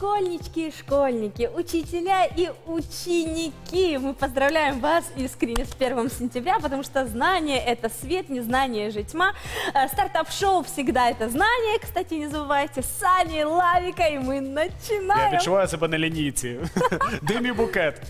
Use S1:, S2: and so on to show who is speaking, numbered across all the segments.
S1: Школьнички и школьники, учителя и ученики, мы поздравляем вас искренне с 1 сентября, потому что знание – это свет, незнание же тьма. Стартап-шоу всегда это знание, кстати, не забывайте, с Саней, Лавикой, и мы начинаем.
S2: Я відчуваю себе на лінійці. Димі букет.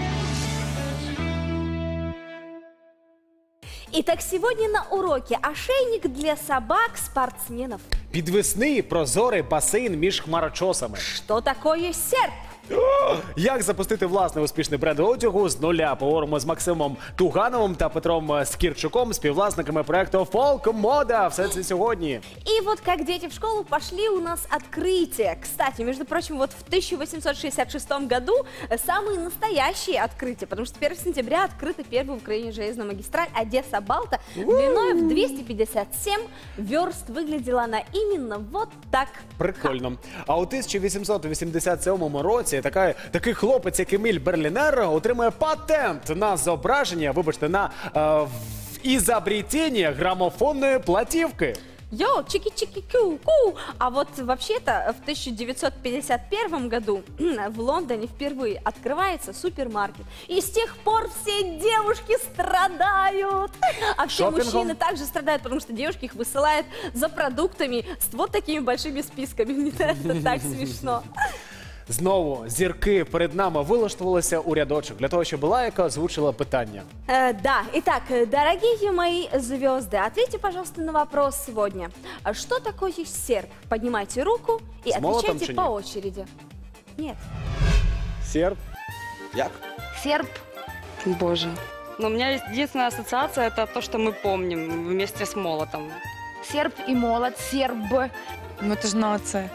S1: Итак, сегодня на уроке ошейник для собак-спортсменов.
S2: Підвісний прозорий басейн між хмарочосами.
S1: Что такое серп?
S2: Як запустити власний успішний бренд одягу з нуля? Поговоримо з Максимом Тугановим та Петром Скірчуком, співвласниками проекту «Фолк Мода». Все це сьогодні.
S1: И вот как дети в школу пошли, у нас открытие. Кстати, между прочим, вот в 1866 году самые настоящие открытия, потому что 1 сентября открыта первая в Украине железная магистраль Одесса-Балта. Длиной в 257 верст. Выглядела она именно вот так.
S2: Прикольно. А у 1887 році такий хлопець, як Еміль Берлінер, отримує патент на зображення, вибачте, на ізобретення грамофонної платівки.
S1: Йоу, чики-чики-ку-ку! А вот вообще-то в 1951 году в Лондоне впервые открывается супермаркет. И с тех пор все девушки страдают. А все мужчины также страдают, потому что девушки их высылают за продуктами с вот такими большими списками. Мне это так смешно.
S2: Знову зірки перед нами вилаштувалися у рядочок для того, щоб Лайка озвучила питання.
S1: Да, итак, дорогие мои звезды, ответьте, пожалуйста, на вопрос сегодня. Что такое серп? Поднимайте руку и отвечайте по очереди. Нет.
S2: Серп?
S3: Як?
S4: Серп.
S5: Боже. Но у меня есть единственная ассоциация, это то, что мы помним вместе с молотом.
S4: Серп и молот, серб.
S6: Ну это же нация.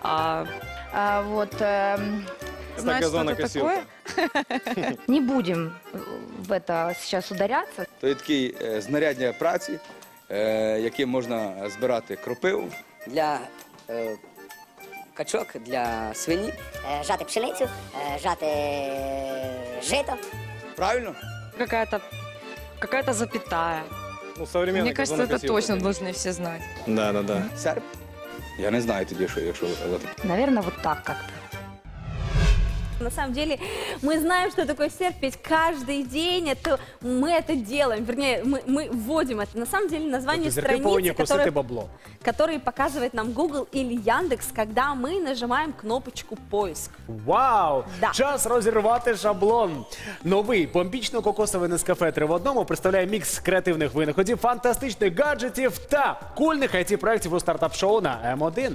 S4: Знаешь, что это такое? Не будем в это сейчас ударяться.
S3: То є таке знаряддя праці, яким можна збирати кропиву.
S7: Для качок, для свині.
S8: Жати пшеницю, жати жито.
S3: Правильно?
S5: Какая-то запятая.
S6: Ну, мне кажется, это точно должны все знать.
S3: Да. Серп? Я не знаю тоді, якщо...
S4: Наверное, вот так как-то.
S1: На самом деле, мы знаем, что такое серп, ведь каждый день мы это делаем, вернее, мы вводим это. На самом деле, название страницы, которые показывает нам Google или Яндекс, когда мы нажимаем кнопочку «Поиск».
S2: Вау! Да. Час розірвати шаблон. Новий бомбічно-кокосовий Нескафе 3 в одному представляє мікс креативних винаходів, фантастичних гаджетів та кульних IT-проєктів у стартап-шоу на М1.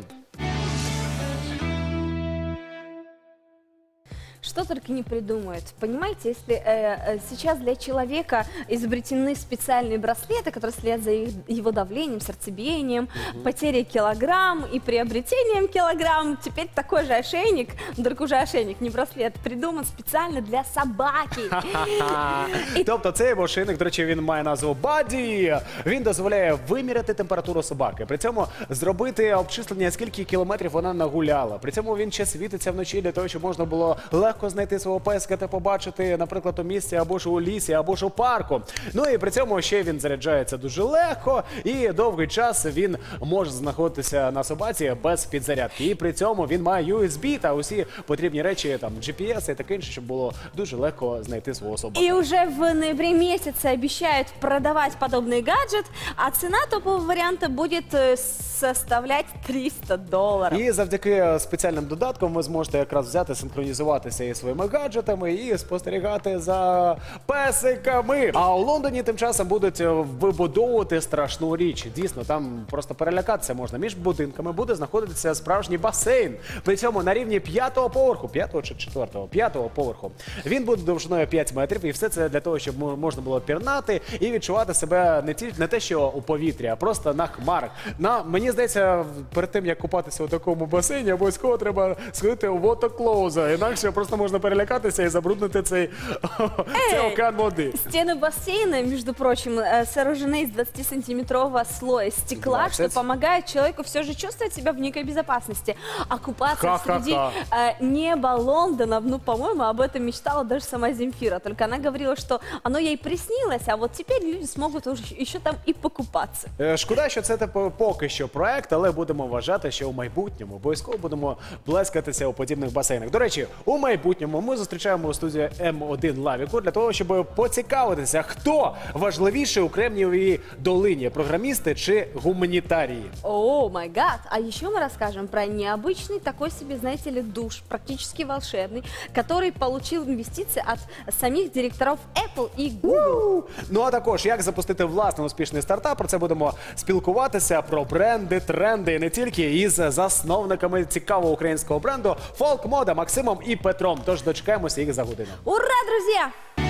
S1: Что только не придумают. Понимаете, если сейчас для человека изобретены специальные браслеты, которые следят за его давлением, сердцебиением, потерей килограмм и приобретением килограмм, теперь такой же ошейник, только уже ошейник, не браслет, придуман специально для собаки.
S2: Тобто цей ошейник, до речі, він має назву Баді. Він дозволяє виміряти температуру собаки, при цьому зробити обчислення, скільки кілометрів вона нагуляла. При цьому він ще світиться вночі для того, щоб можна було легко знайти свого песика та побачити, наприклад, у місці або ж у лісі, або ж у парку. Ну і при цьому ще він заряджається дуже легко і довгий час він може знаходитися на собаці без підзарядки. І при цьому він має USB та усі потрібні речі, там GPS і таке інше, щоб було дуже легко знайти свого собаку.
S1: И уже в ноябре месяце обещают продавать подобный гаджет, а цена топового варианта будет составлять $300.
S2: І завдяки спеціальним додаткам ви зможете якраз взяти, синхронізуватися із своїми гаджетами і спостерігати за песиками. А у Лондоні тим часом будуть вибудовувати страшну річ. Дійсно, там просто перелякатися можна. Між будинками буде знаходитися справжній басейн. При цьому на рівні 5-го поверху, 5-го чи 4-го? 5-го поверху. Він буде довжиною 5 метрів, і все це для того, щоб можна було пірнати і відчувати себе не те, що у повітрі, а просто на хмарах. Мені здається, перед тим, як купатися у такому басейні, обов'язково треба сходити у водоклоуза, інакше просто можна перелякатися і забруднити цей океан води.
S1: Стены бассейна, между прочим, сооружены из 20-сантиметрового слоя стекла,
S2: 20?
S1: что помогает человеку все же чувствовать себя в некой безопасности. А купаться среди неба Лондона, ну, по-моему, об этом мечтала даже сама Земфира. Только она говорила, что оно ей приснилось, а вот теперь люди смогут уже еще там и покупаться.
S2: Шкода, що це поки що проект, але будемо вважати, що у майбутньому обов'язково будемо плескатися у подібних басейнах. До речі, у майбутньому ми зустрічаємо у студії М1 Лавіку для того, щоб поцікавитися, хто важливіший у Кремнієвій долині – програмісти чи гуманітарії.
S1: О, май гад! А еще мы расскажем про необычный такой себе, знаете ли, душ, практически волшебный, который получил инвестиции от самих директоров Apple и Google.
S2: Ну а також, як запустити власний успішний стартап, про це будемо спілкуватися, про бренди, тренди і не тільки, із засновниками цікавого українського бренду «Фолк Мода» Максимом і Петром. Тож дочекаємося їх за годину.
S1: Ура, друзья!